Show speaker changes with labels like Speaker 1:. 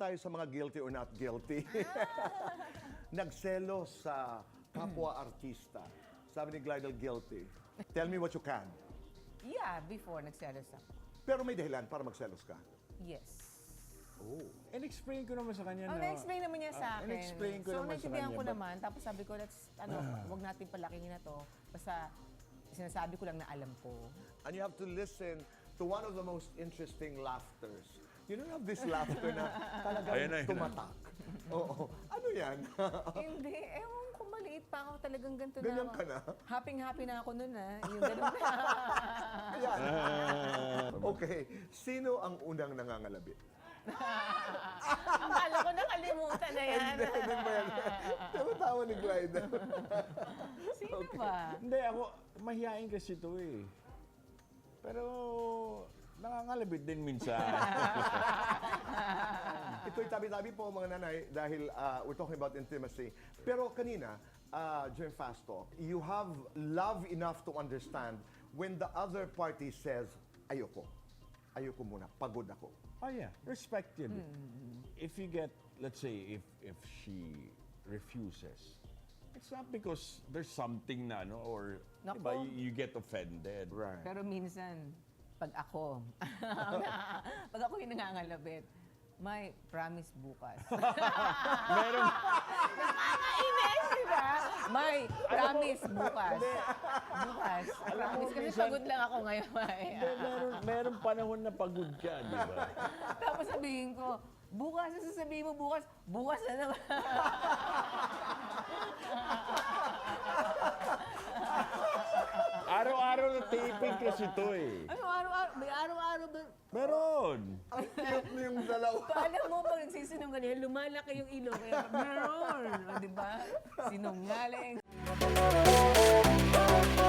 Speaker 1: tayo sa mga guilty or not guilty. Nagselos sa kapwa-artista. Sabi ni Glidel, guilty. Tell me what you can.
Speaker 2: Yeah, before nagselos ako.
Speaker 1: Pero may dahilan para magselos ka.
Speaker 2: Yes.
Speaker 1: Oh.
Speaker 3: In-explain ko naman sa kanya
Speaker 2: Oh, na-explain naman niya sa akin.
Speaker 3: in-explain ko
Speaker 2: So,
Speaker 3: naman sa
Speaker 2: naintindihan
Speaker 3: kanya.
Speaker 2: ko naman. Tapos sabi ko, wag natin palakingin na to. Basta, sinasabi ko lang na alam ko.
Speaker 1: And you have to listen to one of the most interesting laughters. You don't have this laughter na talagang
Speaker 3: Ayun na, ayun na.
Speaker 1: tumatak. Oo. Ano yan?
Speaker 2: Hindi, ewan ko, maliit pa ako talagang ganito na
Speaker 1: Ganyan
Speaker 2: ako.
Speaker 1: ka na?
Speaker 2: Happy-happy na ako nun Yung ganun na.
Speaker 1: Ayan. Okay. Sino ang unang nangangalabit?
Speaker 2: Akala ko nakalimutan na yan.
Speaker 1: Hindi ba yan? Tawa ni Glidel.
Speaker 2: Sino ba?
Speaker 3: Hindi, ako, mahihain kasi ito eh. Pero, nangangalabit din minsan.
Speaker 1: Ito'y tabi-tabi po mga nanay dahil we're talking about intimacy. Pero kanina, during fast talk, you have love enough to understand when the other party says, ayoko. Ayoko muna, pagod ako.
Speaker 3: Oh yeah, respect yun. If you get, let's say, if she refuses, it's not because there's something na, no, or
Speaker 2: Nako.
Speaker 3: diba, you get offended.
Speaker 1: Right.
Speaker 2: Pero minsan, pag ako yung nangangalabit, may promise bukas.
Speaker 3: Meron,
Speaker 2: Nakakainis, di ba? May promise bukas. Bukas. Promise. Kasi
Speaker 3: minsan-
Speaker 2: pagod lang ako ngayon, May.
Speaker 3: meron panahon na pagod ka, di ba?
Speaker 2: Tapos sabihin ko, bukas, sasabihin mo bukas, bukas na naman.
Speaker 3: Araw-araw na taping kasi ito eh.
Speaker 2: Ano, araw-araw, may araw-araw ba?
Speaker 3: Meron.
Speaker 1: Ang cute na yung dalawa.
Speaker 2: Alam mo, pag nagsisinungaling, lumalaki yung ilong. Kaya, meron. O, di ba? Sinungaling.